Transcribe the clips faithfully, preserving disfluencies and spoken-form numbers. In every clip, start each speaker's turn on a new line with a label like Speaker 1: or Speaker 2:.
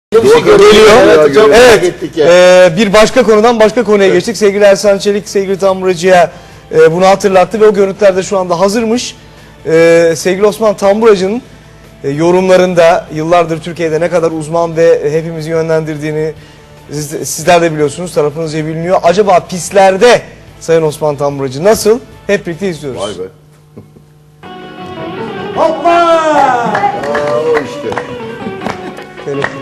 Speaker 1: Geliyor.
Speaker 2: Evet, çok
Speaker 1: evet.
Speaker 2: ettik ya.
Speaker 1: Ee, bir başka konudan başka konuya geçtik. Sevgili Ersan Çelik, sevgili Tamburacı'ya e, bunu hatırlattı ve o görüntüler de şu anda hazırmış. Ee, sevgili Osman Tamburacı'nın e, yorumlarında yıllardır Türkiye'de ne kadar uzman ve hepimizi yönlendirdiğini siz, sizler de biliyorsunuz, tarafınızca biliniyor. Acaba pistlerde Sayın Osman Tamburacı nasıl? Hep birlikte izliyoruz.
Speaker 2: Vay be.
Speaker 1: Hoppa!
Speaker 2: Aa, o işte.
Speaker 1: Telefon.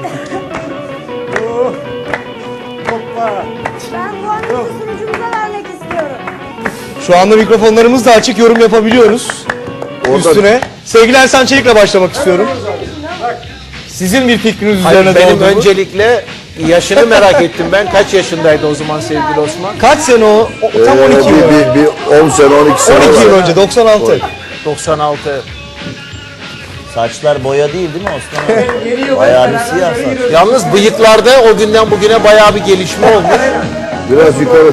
Speaker 1: Hoppa!
Speaker 3: Ben bu anı sunucumuza vermek istiyorum.
Speaker 1: Şu anda mikrofonlarımız da açık, yorum yapabiliyoruz.
Speaker 2: Orada-
Speaker 1: Üstüne. Sevgili Ersan Çelik'le başlamak istiyorum. Sizin bir fikriniz
Speaker 4: Hayır,
Speaker 1: üzerine
Speaker 4: benim
Speaker 1: doğdu mu?
Speaker 4: öncelikle yaşını merak ettim ben. Kaç yaşındaydı o zaman sevgili Osman?
Speaker 1: Kaç sene o? O- Tam
Speaker 2: Ee,
Speaker 1: on iki yıl.
Speaker 2: bir, bir, bir on sene, on iki sene.
Speaker 1: on iki yıl
Speaker 2: var.
Speaker 1: önce, doksan altı.
Speaker 4: doksan altı.
Speaker 5: Saçlar boya değil değil mi Osman abi? Bayağı bir siyah saç.
Speaker 4: Yalnız bıyıklarda o günden bugüne bayağı bir gelişme olmuş.
Speaker 2: Biraz yukarı.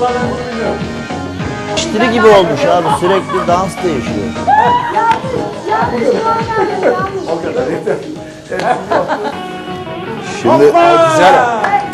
Speaker 5: İştiri gibi olmuş abi, sürekli dans değişiyor.
Speaker 2: Şimdi
Speaker 4: Güzel.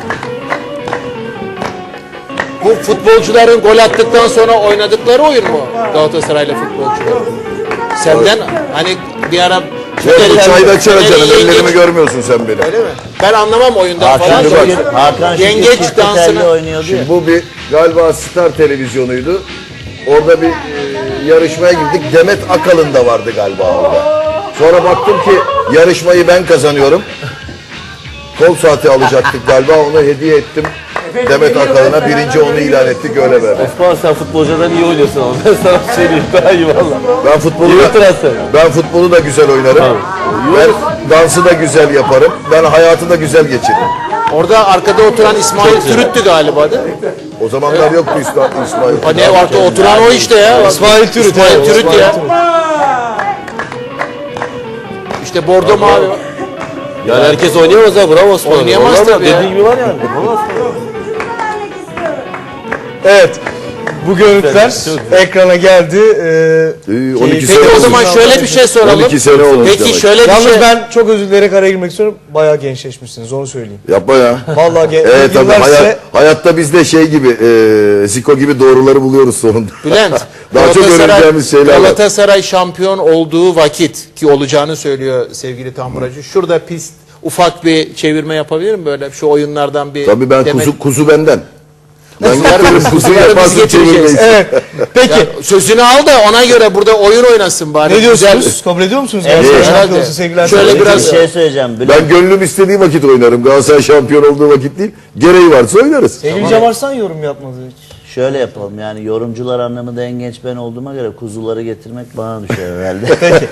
Speaker 4: Bu futbolcuların gol attıktan sonra oynadıkları oyun mu? Galatasaraylı futbolcular. Senden hani bir ara
Speaker 2: bu çayda çay
Speaker 4: Fener'in
Speaker 2: canım, ellerimi
Speaker 4: yengeç-
Speaker 2: görmüyorsun sen benim.
Speaker 4: Öyle mi? Ben anlamam oyundan falan.
Speaker 5: Hakan
Speaker 2: şimdi bak.
Speaker 5: Şükür, Hakan Şükür
Speaker 4: Yengeç
Speaker 5: çifte telli
Speaker 4: dansını-
Speaker 5: oynuyordu ya.
Speaker 2: Şimdi bu bir galiba Star televizyonuydu. Orada bir e, yarışmaya girdik. Demet Akalın da vardı galiba orada. Sonra baktım ki yarışmayı ben kazanıyorum. Kol saati alacaktık galiba, onu hediye ettim. Demet Akalın'a birinci onu ilan ettik, öyle böyle.
Speaker 6: Osman sen futbolcudan iyi oynuyorsun ama ben sana söyleyeyim daha iyi valla.
Speaker 2: Ben futbolu
Speaker 6: İyi
Speaker 2: da,
Speaker 6: transfer.
Speaker 2: ben futbolu da güzel oynarım. Ben dansı da güzel yaparım. Ben hayatı da güzel geçiririm.
Speaker 4: Orada arkada oturan İsmail Türüt'tü galiba değil mi?
Speaker 2: O zamanlar yoktu İsmail. İsmail.
Speaker 4: Ha ne vardı oturan o işte ya.
Speaker 1: İsmail Türüt.
Speaker 4: İsmail
Speaker 1: evet,
Speaker 4: Türüt
Speaker 1: İsmail
Speaker 4: ya.
Speaker 1: Türüt.
Speaker 4: İşte bordo mavi.
Speaker 6: Yani herkes oynayamaz ha, bravo Osman.
Speaker 4: Oynayamaz
Speaker 6: Vallahi
Speaker 4: tabii ya.
Speaker 6: dediğin gibi var yani. Vallahi.
Speaker 3: Sunucumuza vermek istiyorum.
Speaker 1: Evet. Bu görüntüler ekrana geldi. Ee,
Speaker 2: Ee, on iki
Speaker 1: Peki
Speaker 2: sene
Speaker 4: Peki o
Speaker 2: olmuş.
Speaker 4: zaman şöyle bir şey soralım.
Speaker 2: on iki sene olmuş
Speaker 4: Peki
Speaker 2: demek.
Speaker 4: şöyle bir
Speaker 1: Yalnız
Speaker 4: şey.
Speaker 1: ben çok özür dileyerek araya girmek istiyorum. Bayağı gençleşmişsiniz, onu söyleyeyim.
Speaker 2: Yapma ya.
Speaker 1: Vallahi gen-
Speaker 2: Evet tabii,
Speaker 1: yıllar
Speaker 2: hayat,
Speaker 1: size-
Speaker 2: hayatta biz de şey gibi, e, Ziko gibi doğruları buluyoruz sonunda.
Speaker 4: Bülent,
Speaker 2: Daha çok
Speaker 4: Galatasaray-
Speaker 2: öğreneceğimiz şeyler var.
Speaker 4: Galatasaray şampiyon olduğu vakit ki olacağını söylüyor sevgili Tamburacı. Şurada pist ufak bir çevirme yapabilir mi böyle şu oyunlardan bir?
Speaker 2: Tabii ben
Speaker 4: demet-
Speaker 2: kuzu, kuzu benden. Ben
Speaker 4: Kuzuları-
Speaker 2: getiririm, kuzu
Speaker 4: kuzuları biz
Speaker 2: yaparsın
Speaker 4: getireceğiz.
Speaker 2: çevirmeyiz.
Speaker 1: Evet. Peki.
Speaker 4: Ya sözünü al da ona göre burada oyun oynasın bari.
Speaker 1: Ne diyorsunuz?
Speaker 4: Güzel.
Speaker 1: Kabul ediyor musunuz?
Speaker 5: Evet,
Speaker 1: Galatasaray
Speaker 4: herhalde.
Speaker 1: şampiyonası sevgili Ersan
Speaker 4: Şöyle
Speaker 1: Çelik?
Speaker 4: biraz-
Speaker 5: Bir şey söyleyeceğim. Bülent,
Speaker 2: Ben gönlüm istediği vakit oynarım. Galatasaray şampiyon olduğu vakit değil. Gereği varsa oynarız.
Speaker 1: Sevgili Cem Arslan yorum yapmadı hiç.
Speaker 5: şöyle yapalım, yani yorumcular anlamında en genç ben olduğuma göre kuzuları getirmek bana düşer herhalde.